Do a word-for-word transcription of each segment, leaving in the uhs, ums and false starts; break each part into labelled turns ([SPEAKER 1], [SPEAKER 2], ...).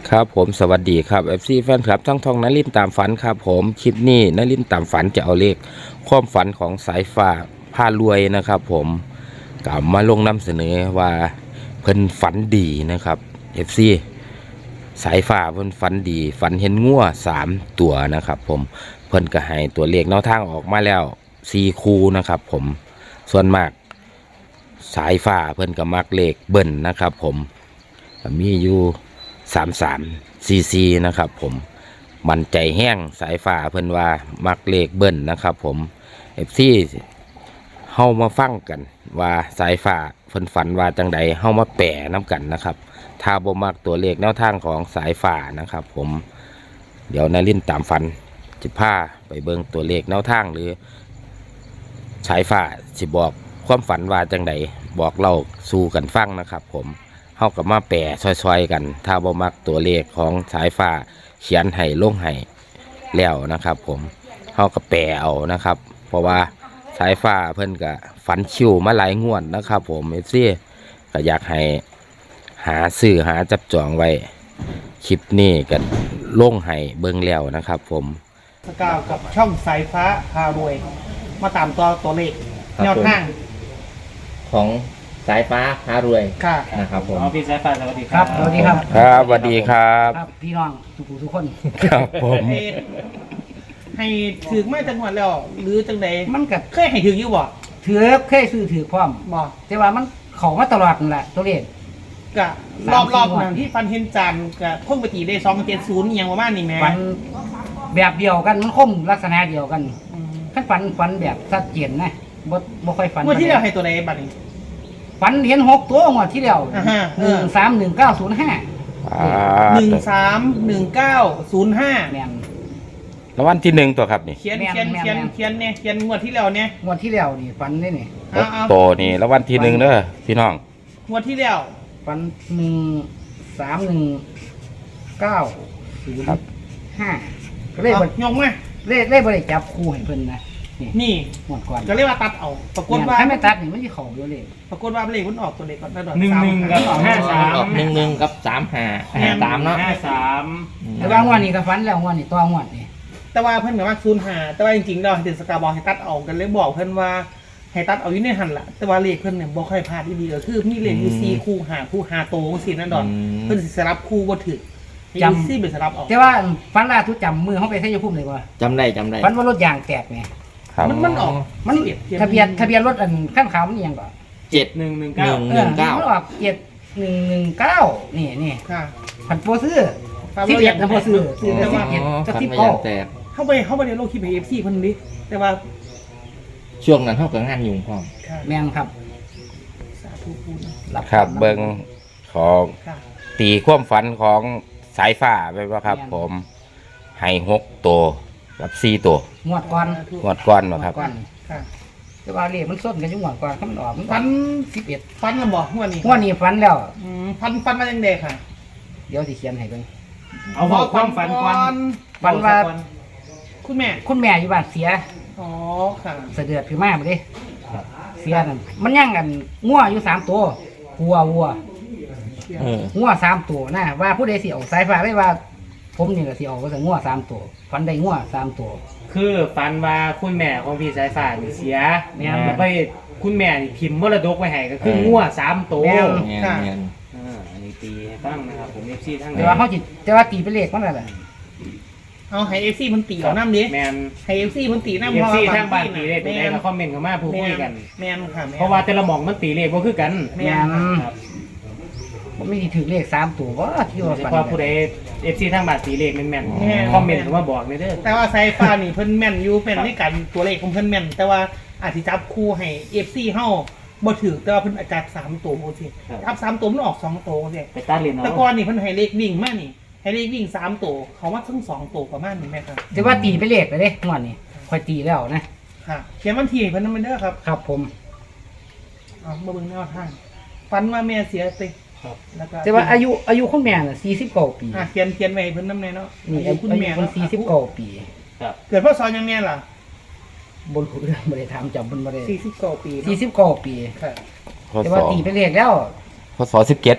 [SPEAKER 1] ครับผมสวัสดีครับ เอฟ ซี แฟนคลับทั้งทองนลินตามฝันครับผมคลิปนี้นลินตามฝันจะเอาเลขความฝันของสายฟ้าพารวยนะครับผมกลับมาลงนำเสนอว่าเพิ่นฝันดีนะครับ เอฟ ซี สายฟ้าเพิ่นฝันดีฝันเห็นงัวสามตัวนะครับผมเพิ่นก็ให้ตัวเลขแนวทางออกมาแล้วสี่คู่นะครับผมส่วนมากสายฟ้าเพิ่นก็มักเลขเบิ้ลนะครับผมมีอยู่สามสามซีซีนะครับผมมันใจแห้งสายฟ้าเพิ่นว่ามักเลขเบิ้ลนะครับผมเอฟซีเฮามาฟังกันว่าสายฟ้าเพิ่นฝันว่าจังใดเฮามาแปะน้ำกันนะครับถ้าบ่มักตัวเลขแนวทางของสายฟ้านะครับผมเดี๋ยวนลินตามฝันจะพาไปเบิ่งตัวเลขแนวทางหรือสายฟ้าสิบอกความฝันว่าจังใดบอกเล่าสู่กันฟังนะครับผมเฮากับมาแปะซอยๆกันถ้าบ่มักตัวเลขของสายฟ้าเขียนให้ลงให้แล้วนะครับผมเฮากับแปะเอานะครับเพราะว่าสายฟ้าเพิ่นก็ฝันคิวมาหลายงวดนะครับผมเอฟซีก็อยากให้หาซื้อหาจับจองไว้คลิปนี้ก็ลงให้เบิ่งแล้วนะครับผม
[SPEAKER 2] สกาวกับช่องสายฟ้าพารวยมาตามตัวตัวเลขแนวทาง
[SPEAKER 3] ของสายฟ้าพารวย
[SPEAKER 2] ค่ะ
[SPEAKER 3] นะครับผม
[SPEAKER 4] พี่สายฟ้าสวัสดีครับ
[SPEAKER 2] สวัสดีครับ
[SPEAKER 1] ครับสวัสดีครับ
[SPEAKER 2] ครับพี่น้องทุกทุกคน
[SPEAKER 1] ครับผม
[SPEAKER 2] ให้ถือไม่จังหวัดแล้วหรือจังใด
[SPEAKER 5] มันกับ
[SPEAKER 2] เคยให้ถืออยู่บ่
[SPEAKER 5] ถือเคยซื้อถือพร้อม
[SPEAKER 2] บ่
[SPEAKER 5] แต่ว่ามันเขามาตลอดนั่นแหละตัวเลข
[SPEAKER 2] กะรอบรอบนั้นที่ฟันเห็นจานกะพ่งปฏิได้สองเจ็ดศูนย์อย่างประมาณนี้แม่
[SPEAKER 5] ฟันแบบเดียวกันมันคมลักษณะเดียวกันขั้นฟันฟันแบบชัดเจนนะบ่บ่ค่อยฟัน
[SPEAKER 2] เมื่อที่เราให้ตัวใดบัดนี้
[SPEAKER 5] ฟันเห็นหกตัวงวดที่แล้วหนึ่งสามหนึ่งเก้าศูนย์ห้า
[SPEAKER 2] หนึ่งสามหนึ่งเก้าศูนย์ห้า
[SPEAKER 5] แม่น
[SPEAKER 1] แล้ววันที่หนึ่งตัวครับนี่
[SPEAKER 2] เขียนเขียนเขียนเขียนเนี่ยเขียนงวดที่แล้วเนี่ย
[SPEAKER 5] งวดที่แล้วนี่ฟันนี่นี่
[SPEAKER 1] โตนี่แล้ววันที่หนึ่งเด้อพี่น้อง
[SPEAKER 2] งวดที่แล้ว
[SPEAKER 5] ฟันหนึ่งสามหนึ่งเก้าศูนย์ห้าก็เลยบ
[SPEAKER 2] ยงไหม
[SPEAKER 5] เลขเลขบริจับคู่ให้เพิ่นนะ
[SPEAKER 2] นี่
[SPEAKER 5] หมดก่อน
[SPEAKER 2] ก็เรียกว่าตัดเอาปรากฏว่า
[SPEAKER 5] ถ้าไม่ตัดนี่มันจะเข่าอยู่เลย
[SPEAKER 2] ปรากฏว่าเลขมันออกตัวเลขก่อนได้ดอก
[SPEAKER 4] หนึ่งหนึ่งกับห้าสาม
[SPEAKER 3] หนึ่งหนึ่งกับสามห้าห้าสามเนาะ
[SPEAKER 4] ห้าสาม
[SPEAKER 5] แต่ว่างวดนี้ก็ฟันแล้วงวดนี้ตัวงวดนี่
[SPEAKER 2] แต่ว่าเพิ่นก็ว่าศูนย์ห้าแต่ว่าจริงๆเราเห็นสกาบอกให้ตัดเอากันเลยบอกเพิ่นว่าให้ตัดเอาอยู่ในหันละแต่ว่าเลขเพิ่นเนี่ยบ่ค่อยพลาดที่ดีก็คือมีเลขอยู่สี่คู่ห้าคู่ห้าโตจังซี่นั่นดอกเพิ่นสิสลับคู่บ่ถูกจำซี่เป็นสลับออก
[SPEAKER 5] แต่ว่าฟันล่าทุกจำมือเฮาไปใช้ยาพุ่มเลยว่า
[SPEAKER 3] จำได้จำได้
[SPEAKER 5] ฟันว่ารถยางแตกไง
[SPEAKER 2] มันมันออก
[SPEAKER 5] มันทะเบียนทะเบียนรถอันขั้นขาวมันยังก่อน
[SPEAKER 3] เจ็ด
[SPEAKER 4] หนึ่งหนึ่งเก้า
[SPEAKER 3] หนึ่งเก้า
[SPEAKER 5] มันออกเจ็ดหนึ่งหนึ่งเก้านี่นี่
[SPEAKER 2] ค่ะ
[SPEAKER 5] ผันโปซื้อสิบเอ็ดนะโปซื้อซื้อสิบเอ็ดกับสิบเก้า
[SPEAKER 2] เข้าไปเข้าไปในโลกคลิปเอฟซีคนนี้แต่ว่า
[SPEAKER 3] ช่วงนั้นเท่ากับงานยุ่งพร้อม
[SPEAKER 5] แม่งครับ
[SPEAKER 2] สาธุพูด
[SPEAKER 1] ครับเบิ้งของตีความฝันของสายฟ้าไปว่าครับผมให้หกตัวกับสี่ตัว
[SPEAKER 5] งวดก่อน
[SPEAKER 1] งวดก่อนมาครับ
[SPEAKER 5] แต่ว่าเลขมันส้นกันยุ่งก่อนเขามันออกมัน
[SPEAKER 2] ฟัน
[SPEAKER 5] สิบเอ็ด
[SPEAKER 2] ฟันแล้วบอกงวดนี้
[SPEAKER 5] งวดนี้ฟันแล้ว
[SPEAKER 2] ฟันฟันมาอย่างเด็กค่ะ
[SPEAKER 5] เดี๋ยวสิเขียนให้เบิ่ง
[SPEAKER 4] เอาบอกความฝันก่อน
[SPEAKER 5] ฝันว่า
[SPEAKER 2] คุณแม่
[SPEAKER 5] คุณแม่อยู่บ้านเสีย
[SPEAKER 2] อ๋อค่ะ
[SPEAKER 5] เสด็จพี่มาบ่ดิเสียนั่นมันย่างกันงัวอยู่สามตัววัววัวงัวสามตัวนะว่าผู้ใดสิเอาสายฟ้าได้ว่าผมนี่ก็สิเอาก็จะงัวสามตัวฝันได้งัวสามตัว
[SPEAKER 4] คือฝันว่าคุณแม่ของพี่สายฟ้านี่เสียเนี่ยไปคุณแม่นี่พิมพ์มรดกไว้ให้ก็คืองัวสามตัว
[SPEAKER 2] ค่ะ
[SPEAKER 4] อันนี้ตีตั้งนะครับผมเอฟซีทั้ง
[SPEAKER 5] แต่ว่าเขาจิตแต่ว่าตีเป็นเลขมันอะไร
[SPEAKER 2] เอาให้เอฟซีมันตีเอาน้ำดิ
[SPEAKER 4] แมน
[SPEAKER 2] ให้เอฟซีมันตีน้ำ
[SPEAKER 4] เอฟซีทั้งบ้านตีเลขไปได้มาคอมเมนต์เข้ามาพูดคุยกัน
[SPEAKER 2] แมนค่ะ
[SPEAKER 4] เพราะว่าแต่ละหม่องมันตีเลขก็คือกัน
[SPEAKER 5] แมนผมไม่ถือเลขสามตัวว่าที่ว่า
[SPEAKER 4] ฝันผู้ใดเอฟซีทั้งบ้านตีเลขแม่นๆคอมเมนต์เข้ามาบอกเลยเด้อ
[SPEAKER 2] แต่ว่าไซฟ้านี่เพิ่นแม่นอยู่เป็นในการตัวเลขของเพิ่นแม่นแต่ว่าอาจจะจับคู่ให้เอฟซีเฮาบ่ถือแต่ว่าเพิ่นอาจจะสามตัวโอเคทับสามตัวมันออกสองตัวโอเค
[SPEAKER 4] ไปตัดเลนเอา
[SPEAKER 2] แต่ก่อนนี่เพิ่นให้เลขวิ่งมานี่ให้เลขวิ่งสามตัวเขาว่าทั้งสองตัวประมาณนี้แม่ครับ
[SPEAKER 5] แต่ว่าตีไปเลขไปเด้งวดนี้ค่อยตีแล้วนะ
[SPEAKER 2] ค่ะเขียนวันที่เพิ่นนำเด้อครับ
[SPEAKER 5] ครับผม
[SPEAKER 2] เอามาเบิ่งแนวทางฝันว่าแม่เสียไป
[SPEAKER 5] ครับแล้วก็แต่ว่าอายุอายุคุณแม่น่ะสี่สิบเก้าปี
[SPEAKER 2] อ่ะเขียนเขียนไว้เพิ่นนำแน่เนาะ
[SPEAKER 5] นี่อายุคุณแม่เพิ่นสี่สิบเก้าปี
[SPEAKER 2] ครับเกิดพศยังแม่ล่ะ
[SPEAKER 5] บ่รู้เรื่องบ่ได้ถามจำเพิ่นบ่ได้
[SPEAKER 2] สี่สิบเก้าปี
[SPEAKER 5] สี่สิบเก้าปี
[SPEAKER 2] ครับ
[SPEAKER 5] แต่ว่าตีไปเลขแล้ว
[SPEAKER 1] พศสิบเจ็ด
[SPEAKER 5] แ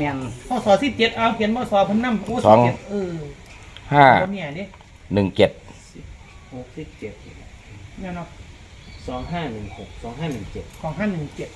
[SPEAKER 5] แม่น
[SPEAKER 2] พศสิบเจ็ดเอาเขียนพศเพิ่นนำโอ้
[SPEAKER 1] สอง
[SPEAKER 2] สิบเจ็ดเออ
[SPEAKER 1] ห้า
[SPEAKER 2] บ่เนี่ยเด้
[SPEAKER 1] หนึ่งเจ็ด
[SPEAKER 4] หกสิบเจ็ด
[SPEAKER 2] เนี่ยเนาะ
[SPEAKER 4] สองห้าหนึ่งหกสองห้าหนึ่งเจ็ด
[SPEAKER 2] ของห้าหนึ่งเจ็ด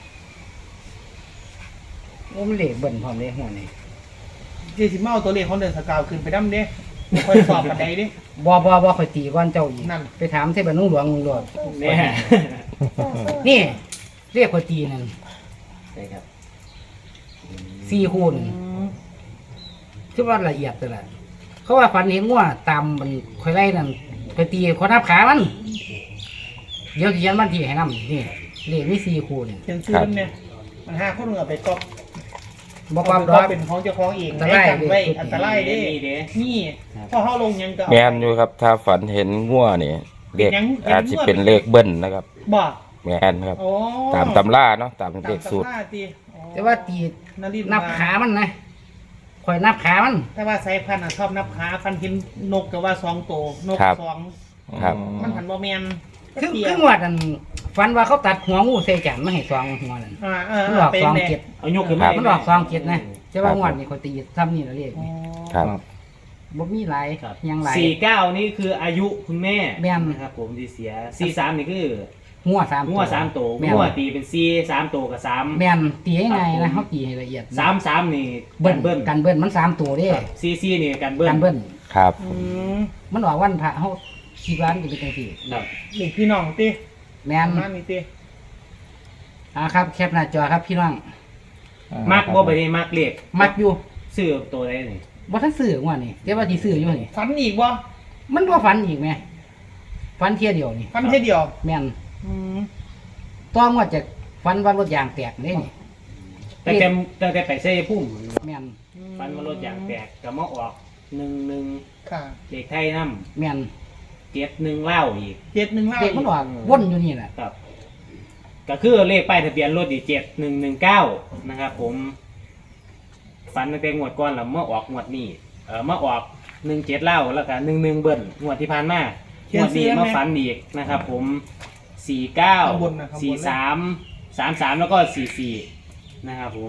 [SPEAKER 5] โอ้มันเลขเบิ่นพร้อมเลยหัวนี่
[SPEAKER 2] เจสิมาเอาตัวเลขของเดือนสกาวขึ้นไปนำเด้ค่อยสอบกันใดเด้
[SPEAKER 5] บ่บ่บ่ค่อยตีก่อนเจ้าอีก
[SPEAKER 2] นั่น
[SPEAKER 5] ไปถามเทพนุ่งหลวงมึงโลด
[SPEAKER 4] เนี่ย
[SPEAKER 5] นี่เรียกค่อยตีนั่น
[SPEAKER 4] ใช่ครับ
[SPEAKER 5] สี่คูณ
[SPEAKER 2] อืม
[SPEAKER 5] คือว่าละเอียดแต่ละเขาว่าฝันเห็นงัวตามมันค่อยไล่นั่นค่อยตีคนนับขามันเดี๋ยวสิเขียนวันที่ให้นำนี่เลขมีสี่คูณ
[SPEAKER 2] เขียนชื่อมันเนี่ยมันห้าคนเหงือไปก๊อป
[SPEAKER 5] บ่ความด
[SPEAKER 2] ก็
[SPEAKER 5] อก
[SPEAKER 2] เป็นของเจ้าของเอง
[SPEAKER 5] อันตราย
[SPEAKER 2] ได้กันไว้
[SPEAKER 5] เด้
[SPEAKER 2] อันตรายเด้
[SPEAKER 4] นี่เด้
[SPEAKER 2] นี่พอเฮาลงยังก็เอา
[SPEAKER 1] แมนอยู่ครับ ถ้าฝันเห็นงัวนี่เลข
[SPEAKER 2] ยัง
[SPEAKER 1] อาจจะเป็นเลขเบิ้ลนะครับ
[SPEAKER 2] บ่
[SPEAKER 1] แมนครับ
[SPEAKER 2] โอ้
[SPEAKER 1] ตามตำราเนาะตาม
[SPEAKER 2] ตาม
[SPEAKER 1] เลขสูตร
[SPEAKER 2] ตำราติอ๋อ
[SPEAKER 5] แต่ว่าตี
[SPEAKER 2] นารินทร์
[SPEAKER 5] นับขามันนะค่อยนับขามัน
[SPEAKER 2] แต่ว่าสายพันธุ์อะชอบนับขาฟันเห็นนกก็ว่าสองตัวนก
[SPEAKER 1] ครับ
[SPEAKER 2] สอง
[SPEAKER 1] ครับ
[SPEAKER 2] มันหันบ่แม่น
[SPEAKER 5] คือ
[SPEAKER 2] เตี้ย
[SPEAKER 5] คืองวดอันฝันว่าเขาตัดหัวงูใส่จานมาให้สองหัวนั่น
[SPEAKER 2] อ่าเออ
[SPEAKER 5] มัน
[SPEAKER 2] เอ
[SPEAKER 5] อ
[SPEAKER 2] อ
[SPEAKER 5] อก
[SPEAKER 2] เป็น
[SPEAKER 5] สอง
[SPEAKER 2] แน่
[SPEAKER 5] เจ็ด
[SPEAKER 4] เอายกขึ้น
[SPEAKER 1] ครั
[SPEAKER 4] มา
[SPEAKER 1] บ
[SPEAKER 5] มันออกสองเจ็ดนะแต่ว่างวดนี่เขาตีซ้ำนี่ละเรียก
[SPEAKER 2] อ๋อ
[SPEAKER 1] ครับ
[SPEAKER 5] บ่มีหลาย
[SPEAKER 4] ครับ
[SPEAKER 5] ยังหลาย
[SPEAKER 4] สี่เก้านี่คืออายุคุณแม่
[SPEAKER 5] แม่น
[SPEAKER 4] นะครับผมที่เสียสี่สามนี่คือ
[SPEAKER 5] หัวสาม
[SPEAKER 4] งัวสามตัว
[SPEAKER 5] แม่น
[SPEAKER 4] งัวตีเป็นสี่สามตัวกับสาม
[SPEAKER 5] แม่นตีให้ไงนะเขาตีให้ละเอียดนะ
[SPEAKER 4] สามสามนี่
[SPEAKER 5] เบิ้ล
[SPEAKER 4] กันเบิ้ล
[SPEAKER 5] กันเบิ้ลมันสามตัวเด้
[SPEAKER 4] ซีซีนี่กันเบิ้ล
[SPEAKER 5] กันเบิ้ล
[SPEAKER 1] ครับ
[SPEAKER 2] อืม
[SPEAKER 5] มันออกวันพระเขาคิดว่ามันจะเป็นจังซี่
[SPEAKER 4] ครับ
[SPEAKER 2] เด็กพี่น้องติ
[SPEAKER 5] แม่น
[SPEAKER 2] มานี่ติ
[SPEAKER 5] อ่าครับแคปหน้าจอครับพี่น้อง
[SPEAKER 4] มักบ่ไปนี่มักเล็ก
[SPEAKER 5] มักอยู่
[SPEAKER 4] ซื้อตัวใดนี่
[SPEAKER 5] บ่ทันซื้อว่านี่แต่ว่าสิซื้ออยู่นี่
[SPEAKER 2] ฟันอีกบ่
[SPEAKER 5] มันบ่ฝันอีกแม่ฝันเที่ยเดียวนี่
[SPEAKER 2] ฟันแค่เดียว
[SPEAKER 5] แม่น
[SPEAKER 2] อืม
[SPEAKER 5] ต้องว่าจะฝันว่ารถยางแตกเด้นี่
[SPEAKER 4] แต่แต่แต่แต่ไปใส่พุ่ม
[SPEAKER 5] แม่น
[SPEAKER 4] ฟันมารถยางแตกก็มาออกหนึ่งหนึ่ง
[SPEAKER 2] ค่ะ
[SPEAKER 4] เด็กไทยน้
[SPEAKER 5] แม่น
[SPEAKER 4] ำเจ็ดหนึ่งเล่าอีก
[SPEAKER 2] เจ็ดหนึ่งเล่า
[SPEAKER 5] เด็กมันออกวนอยู่นี่แหละ
[SPEAKER 4] ครับ ก็คือเลขป้ายทะเบียนรถอีกเจ็ดหนึ่งหนึ่งเก้านะครับผมฟันตั้งแต่งวดก่อนแล้วเมื่อออกงวดนี้เออมาออกหนึ่งเจ็ดเล่าแล้วก็หนึ่งหนึ่งเบิ้ลงวดที่ผ่านมางวดนี้มาฟันอีกนะครับผมสี่เก้าสี่สามสามสามแล้วก็สี่สี่นะครับผม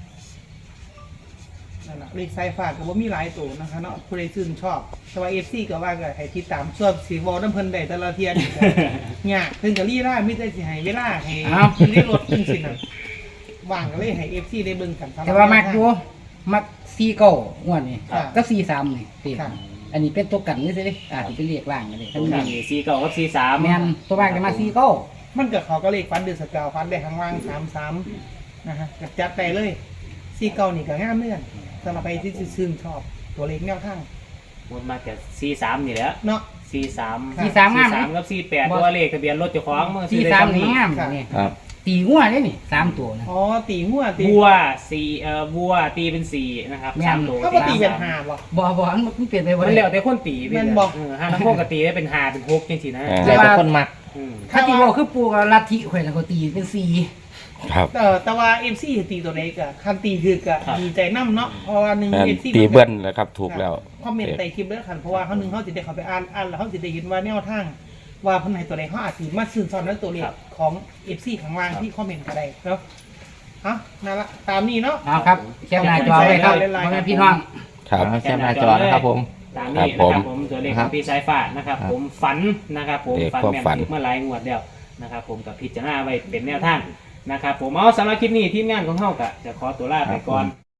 [SPEAKER 2] นั่นน่ะเลขสายฟ้าก็บ่มีหลายตัวนะคะเนาะผู้ใดชื่นชอบแต่ว่า เอฟ ซี ก็ว่าก็ให้ติดตามส่วนสิเว้านํเพิ่นได้แต่ละเที่ยนี่ก็ยากเพิ่นก็ลีลามีแต่สิให้เวลาให้อยู่ในรถจังซี่น่ะว่างก็เลยให้ เอฟ ซี ได้เบิ่งกัน
[SPEAKER 5] แต่ว่ามักอยู่มักสี่เก้างวดนี่
[SPEAKER 2] ค่ะ
[SPEAKER 5] กับสี่สามนี่ติด
[SPEAKER 2] ค่ะ
[SPEAKER 5] อันนี้เป็นตัวกันนี่สิอาจจะเป็นเลขล่างกันเลย
[SPEAKER 4] มีสี่เก้ากับสี่สาม
[SPEAKER 5] แม่นตัวมากจะมาสี่เก้า
[SPEAKER 2] มันก็เขาก็เลขฟันเดือนสกาวฟันได้ข้างล่างสามสามนะฮะก็จัดไปเลยสี่เก้านี่ก็งามเนื่อนสำหรับใครที่ชื่นชอบตัวเลขแนวทาง
[SPEAKER 4] หมดมาจากสี่สามนี่แหละ
[SPEAKER 2] เนาะ
[SPEAKER 4] สี่สาม
[SPEAKER 5] สี่สามงาม
[SPEAKER 4] สามกับสี่แปดตัวเลขทะเบียนรถเจ้าของเมื่อ
[SPEAKER 5] สี่
[SPEAKER 4] ได้
[SPEAKER 5] สาม
[SPEAKER 4] จำ
[SPEAKER 5] นี่งาม
[SPEAKER 2] ค่ะ
[SPEAKER 5] นี่
[SPEAKER 1] ครับ
[SPEAKER 5] ตีงัวได้นี่สามตัวนะ
[SPEAKER 2] อ๋อตีหัวตี
[SPEAKER 4] บัวสี่เอ่อบัวตีเป็นสี่นะครับ
[SPEAKER 5] แม่น
[SPEAKER 4] สามตัว
[SPEAKER 2] เขาก็ตีเป็นหาบ่
[SPEAKER 5] บ่บ่อันมันเปลี่ยนไปบ่
[SPEAKER 4] มัน
[SPEAKER 5] ได้
[SPEAKER 4] แล้วแต่คนตีไป
[SPEAKER 2] แม่น
[SPEAKER 4] เลย
[SPEAKER 2] บอก
[SPEAKER 4] เออห้าทั้งพวกก็ตีได้เป็นห้าเป็นหกจริงๆนะ
[SPEAKER 1] อ่า
[SPEAKER 3] แล้วแต่คนมัก
[SPEAKER 4] อืม
[SPEAKER 5] ถ้าตีบ่คือปูกับลัทธิข่อยแล้วก็ตีเป็นสี่
[SPEAKER 1] ครับ
[SPEAKER 2] เออแต่ว่าเอฟซีตีตัวเล็กอะคันตีคือกะดีใจน้ำเนาะเพราะว่าหนึ่ง
[SPEAKER 1] แม่น
[SPEAKER 2] เอฟซี
[SPEAKER 1] ตีเบิ้ลนะครับ ถูกแล้ว
[SPEAKER 2] คอมเมนต์ใต้คลิปด้วยคันเพราะว่าเขาหนึ่งเขาจะได้เขาไปอ่านอ่านแล้วเขาจะได้เห็นว่าแนวทางว่าเพันไหนตัวใดเขาอาจจะมาซื่นซ้อนในตัวเลขของเอฟซีข้างล่างที่คอมเมนต์ก็ได้เนาะฮะนั่นละตามนี้เนาะ
[SPEAKER 5] เอาครับแคปหน้าจอไว้ครับพ่อแม่พี่น้อง
[SPEAKER 1] ครับ
[SPEAKER 3] แคปหน้าจอนะครับผม
[SPEAKER 4] ตามนี้
[SPEAKER 1] ครับ
[SPEAKER 4] นะ
[SPEAKER 1] ผม
[SPEAKER 4] ครับผมตัวเลขของพี่สายฟ้านะครับ
[SPEAKER 3] ครับ
[SPEAKER 4] ผมฝันนะครับ ผม
[SPEAKER 1] เลข
[SPEAKER 4] ฝัน
[SPEAKER 1] ความ
[SPEAKER 4] แม่น
[SPEAKER 1] ฝัน
[SPEAKER 4] เมื่อหลายงวดแล้วนะครับ ผมกับพิจารณาไว้เป็นแนวทางนะครับ ผมเอาสำหรับคลิปนี้ทีมงานของเฮากะจะขอตัวลาไปก่อน